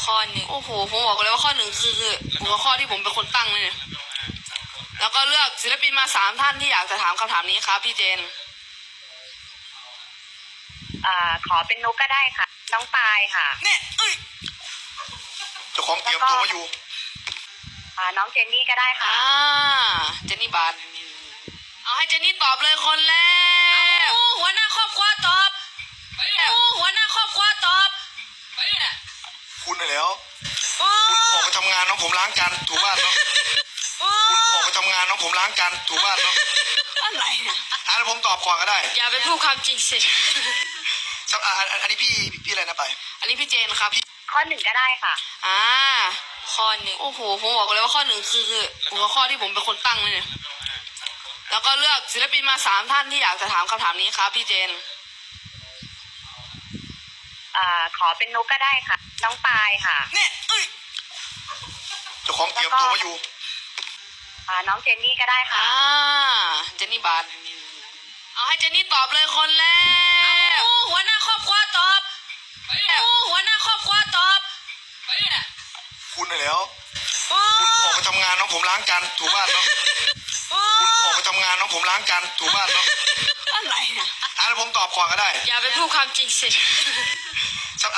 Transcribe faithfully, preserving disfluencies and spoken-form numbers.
ข้อหนึ่งโอ้โหผมบอกเลยว่าข้อหนึ่งคือหัวข้อที่ผมเป็นคนตั้งเลยเนี่ยแล้วก็เลือกศิลปินมาสามท่านที่อยากจะถามคำถามนี้ครับพี่เจนอ่าขอเป็นนุกก็ได้ค่ะน้องปายค่ะเนี่ยเอ้ยเจ้าของเตรียมตัวมาอยู่อ่าน้องเจนนี่ก็ได้ค่ะอ่าเจนนี่บาทเอาให้เจนนี่ตอบเลยคนแรกหัวหน้าครอบครัวตอบหัวหน้าครอบครัวตอบคุณน่ะแล้วคุณออกไปทำงานน้องผมล้างจานถูบ้านเนาะคุณออกไปทำงานน้องผมล้างจานถูบ้านเนาะอะไรนะอ่ะแล้วผมตอบก่อนก็ได้อย่าไปพูดความจริงสิอ่ะอันนี้พี่พี่อะไรนะไปอันนี้พี่เจนครับข้อหนึ่งก็ได้ค่ะอ่าข้อหนึ่งโอ้โหผมบอกเลยว่าข้อหนึ่งคือหัวข้อที่ผมเป็นคนตั้งเลยเนี่ยแล้วก็เลือกศิลปินมาสามท่านที่อยากจะถามคำถามนี้ครับพี่เจนอ่าขอเป็นนุกก็ได้ค่ะน้องปายค่ะเนี่ยเอ้ยเจ้าของเตรียมตัวมาอยู่อ่าน้องเจนนี่ก็ได้ค่ะอ่าเจนนี่บาทเอาให้เจนนี่ตอบเลยคนแรกหัวหน้าครอบครัวตอบหัวหน้าครอบครัวตอบคุณน่ะแล้วคุณออกไปทำงานน้องผมล้างจานถูบ้านเนาะคุณออกไปทำงานน้องผมล้างจานถูบ้านเนาะอะไรนะอ่ะแล้วผมตอบก่อนก็ได้อย่าไปพูดความจริงสิ